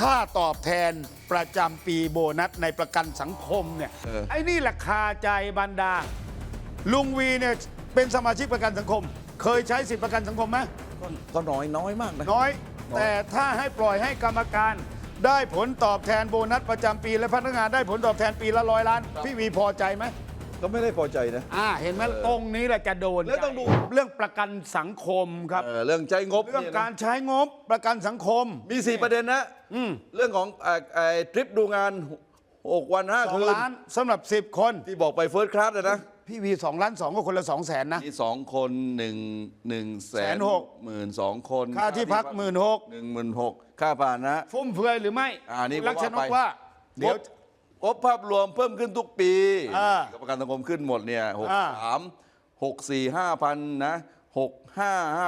ค่าตอบแทนประจำปีโบนัสในประกันสังคมเนี่ยไอ้นี่แหละคาใจบรรดาลุงวีเนี่ยเป็นสมาชิกประกันสังคม เคยใช้สิทธิประกันสังคมไหมก็น้อยมากนะน้อย แต่ถ้าให้ปล่อยให้กรรมการได้ผลตอบแทนโบนัสประจำปีและพนักงานได้ผลตอบแทนปีละ100 ล้านพี่วีพอใจไหมก็ไม่ได้พอใจนะเห็นไหมตรงนี้แหละจะโดนแล้วต้องดูเรื่องประกันสังคมครับเรื่องใช้งบเรื่องการใช้งบประกันสังคมมี4ประเด็นนะเรื่องของทริปดูงาน6 วัน5 คืน 2 ล้านสำหรับ10 คนที่บอกไปเฟิร์สคลาสนะพี่วี2 ล้าน 2ก็คนละ200,000นะมี2 คน1,162,000 คนค่าที่พัก 16,000ค่าผ่านนะฟุ่มเฟือยหรือไม่นี่ลักษณะว่าเดี๋ยวงบภาพรวมเพิ่มขึ้นทุกปีประกันสังคมขึ้นหมดเนี่ย63 64 5,000นะ65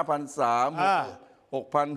5,300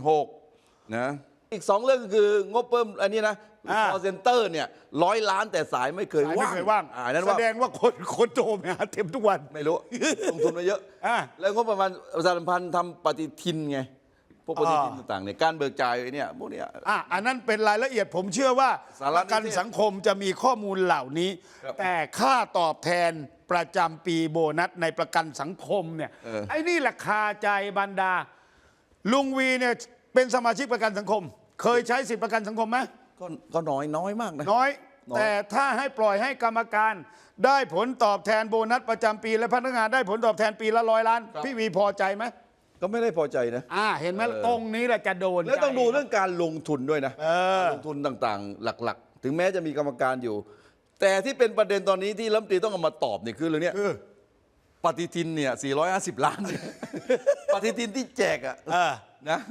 6,600นะอีก2 เรื่องคือ งบเพิ่มอันนี้นะcall center เนี่ย100 ล้านแต่สายไม่เคยว่างนั่นแสดงว่าคนโทรมาเต็มทุกวันไม่รู้ลงทุนมาเยอะแล้วงบประมาณประชาสัมพันธ์ทำปฏิทินไงพวกปฏิทินต่างๆเนี่ยการเบิกจ่ายเนี่ยพวกเนี้ยอันนั้นเป็นรายละเอียดผมเชื่อว่าประกันสังคมจะมีข้อมูลเหล่านี้แต่ค่าตอบแทนประจำปีโบนัสในประกันสังคมเนี่ยไอ้นี่แหละคาใจบรรดาลุงวีเนี่ยเป็นสมาชิกประกันสังคม เคยใช้สิทธิประกันสังคมไหมก็น้อยมากนะน้อยแต่ถ้าให้ปล่อยให้กรรมการได้ผลตอบแทนโบนัสประจำปีและพนักงานได้ผลตอบแทนปีละ100 ล้านพี่วีพอใจไหมก็ไม่ได้พอใจนะเห็นไหมตรงนี้แหละจะโดนแล้วต้องดูเรื่องการลงทุนด้วยนะลงทุนต่างๆหลักๆถึงแม้จะมีกรรมการอยู่แต่ที่เป็นประเด็นตอนนี้ที่รัฐมนตรีต้องเอามาตอบเนี่ยคือเรื่องนี้ปฏิทินเนี่ย450 ล้านปฏิทินที่แจกนะ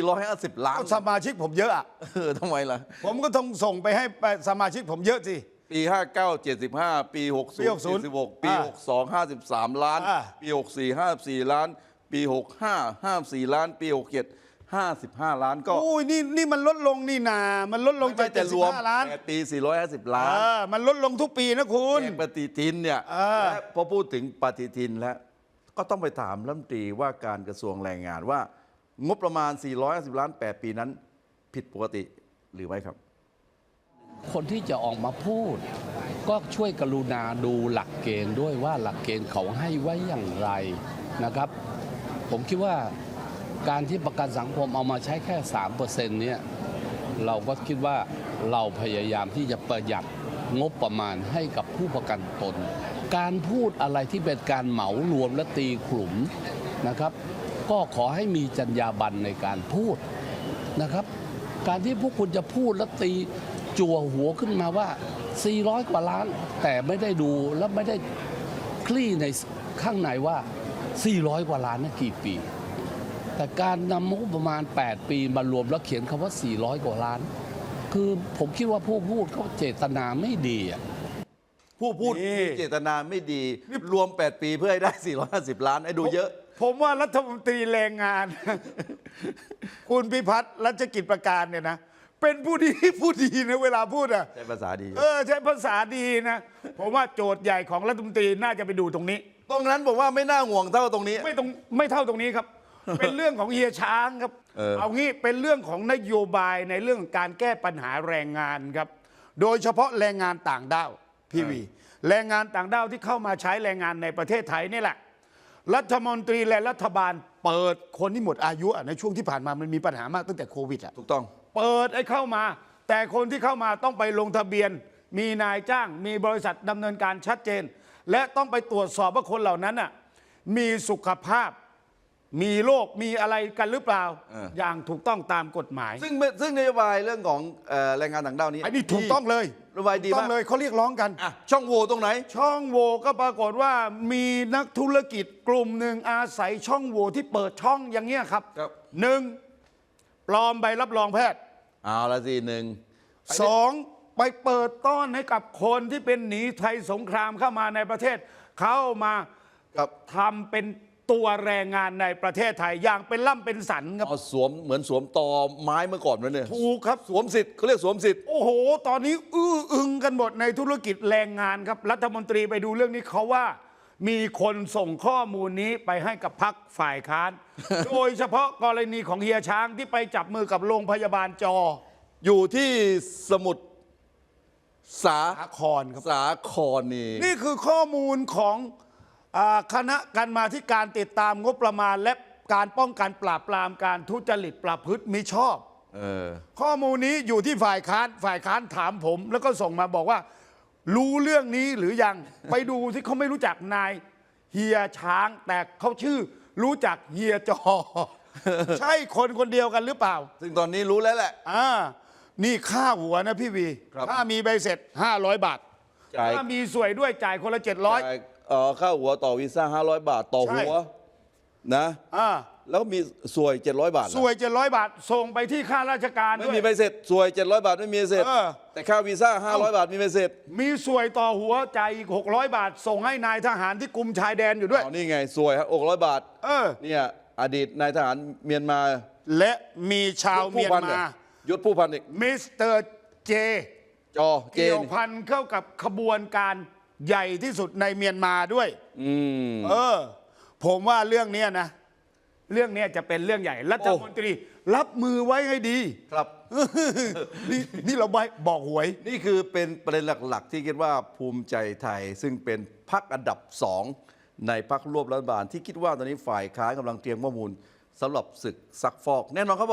450 ล้านสมาชิกผมเยอะทำไมล่ะผมก็ต้องส่งไปให้สมาชิกผมเยอะสิปี59 75ปี60 76ปี62 53 ล้านปี64 54 ล้านปี65 54 ล้านปี67 55 ล้านก็นี่มันลดลงนี่นามันลดลงจาก75 ล้านปี450 ล้านมันลดลงทุกปีนะคุณปฏิทินเนี่ยพอพูดถึงปฏิทินแล้วก็ต้องไปถามรัฐมนตรีว่าการกระทรวงแรงงานว่างบประมาณ450 ล้าน8 ปีนั้นผิดปกติหรือไม่ครับคนที่จะออกมาพูดก็ช่วยกรุณาดูหลักเกณฑ์ด้วยว่าหลักเกณฑ์เขาให้ไว้อย่างไรนะครับผมคิดว่าการที่ประกันสังคมเอามาใช้แค่ 3% เนี่ยเราก็คิดว่าเราพยายามที่จะประหยัดงบประมาณให้กับผู้ประกันตนการพูดอะไรที่เป็นการเหมารวมและตีกลุ่มนะครับก็ขอให้มีจรรยาบรรณในการพูดนะครับการที่พวกคุณจะพูดและตีจั่วหัวขึ้นมาว่า400 กว่าล้านแต่ไม่ได้ดูและไม่ได้คลี่ในข้างในว่า400 กว่าล้านนั้นกี่ปีแต่การนำงบประมาณ8 ปีมารวมแล้วเขียนคำว่า400 กว่าล้านคือผมคิดว่าผู้พูดเขาเจตนาไม่ดีผู้พูดมีเจตนาไม่ดีรวม8 ปีเพื่อให้ได้450 ล้านให้ดูเยอะผมว่ารัฐมนตรีแรงงานคุณพิพัฒน์รัชกิจประการเนี่ยนะเป็นผู้ดีนะเวลาพูดใช้ภาษาดีใช้ภาษาดีนะผมว่าโจทย์ใหญ่ของรัฐมนตรีน่าจะไปดูตรงนี้ตรงนั้นบอกว่าไม่น่าห่วงเท่าตรงนี้ไม่เท่าตรงนี้ครับ เป็นเรื่องของเฮียช้างครับเอางี้เป็นเรื่องของนโยบายในเรื่องการแก้ปัญหาแรงงานครับโดยเฉพาะแรงงานต่างด้าวพี่วีแรงงานต่างด้าวที่เข้ามาใช้แรงงานในประเทศไทยนี่แหละรัฐมนตรีและรัฐบาลเปิดคนที่หมดอายุในช่วงที่ผ่านมามันมีปัญหามากตั้งแต่โควิดถูกต้องเปิดให้เข้ามาแต่คนที่เข้ามาต้องไปลงทะเบียนมีนายจ้างมีบริษัทดำเนินการชัดเจนและต้องไปตรวจสอบว่าคนเหล่านั้นมีสุขภาพมีโรคมีอะไรกันหรือเปล่าอย่างถูกต้องตามกฎหมายซึ่งนโยบายเรื่องของแรงงานต่างด้าวนี้อันนี้ถูกต้องเลยนโยบายดีมากเลยเขาเรียกร้องกันช่องโหว่ตรงไหนช่องโหว่ก็ปรากฏว่ามีนักธุรกิจกลุ่มหนึ่งอาศัยช่องโหว่ที่เปิดช่องอย่างเงี้ยครับ1. ปลอมใบรับรองแพทย์เอาละสิ 2. ไปเปิดต้อนให้กับคนที่เป็นหนีภัยสงครามเข้ามาในประเทศเข้ามาทำเป็นตัวแรงงานในประเทศไทยอย่างเป็นล่ำเป็นสันครับเหมือนสวมตอไม้เมื่อก่อนนั่นเนี่ยถูกครับสวมสิทธิ์เขาเรียกสวมสิทธิ์โอ้โหตอนนี้อึ้งกันหมดในธุรกิจแรงงานครับรัฐมนตรีไปดูเรื่องนี้เขาว่ามีคนส่งข้อมูลนี้ไปให้กับพรรคฝ่ายค้าน โดยเฉพาะกรณีของเฮียช้างที่ไปจับมือกับโรงพยาบาลอยู่ที่สมุทรสาสาครครับสาครนี่นี่คือข้อมูลของคณะกรรมาธิการติดตามงบประมาณและการป้องกันปราบปรามการทุจริตประพฤติมิชอบ ข้อมูลนี้อยู่ที่ฝ่ายค้านถามผม แล้วก็ส่งมาบอกว่า รู้เรื่องนี้หรือยัง ไปดูที่เขาไม่รู้จักนายเฮียช้าง แต่เขาชื่อรู้จักเฮียจอ ใช่คนคนเดียวกันหรือเปล่าซึ่งตอนนี้รู้แล้วแหละนี่ค่าหัวนะพี่วีครับถ้ามีใบเสร็จ500 บาทจ่ายถ้ามีสวยด้วยจ่ายคนละ700 จ่ายค่าหัวต่อวีซ่า500 บาทต่อหัวนะ แล้วมีสวย700 บาทเหรอสวย700 บาท ส่งไปที่ข้าราชการไม่ด้วยมีใบเสร็จสวย700 บาทไม่มีใบเสร็จ แต่ค่าวีซ่า500 บาทมีใบเสร็จมีสวยต่อหัวจ่ายอีก600 บาท ส่งให้นายทหารที่กุมชายแดนอยู่ด้วยนี่ไงสวยครับ600 บาท เนี่ยอดีตนายทหารเมียนมาและมีชาวเมียนมายศผู้พันอีกมิสเตอร์เจจอเจเกี่ยนวพันเข้ากับขบวนการใหญ่ที่สุดในเมียนมาด้วย ผมว่าเรื่องเนี้ยนะ เรื่องเนี้ยจะเป็นเรื่องใหญ่รัฐมนตรี รับมือไว้ให้ดีครับนี่เราบอกหวยนี่คือเป็นประเด็นหลักๆ ที่คิดว่าภูมิใจไทยซึ่งเป็นพรรคอันดับ2ในพรรคร่วมรัฐบาลที่คิดว่าตอนนี้ฝ่ายค้านกำลังเตรียมข้อมูลสำหรับศึกซักฟอกแน่นอนครับ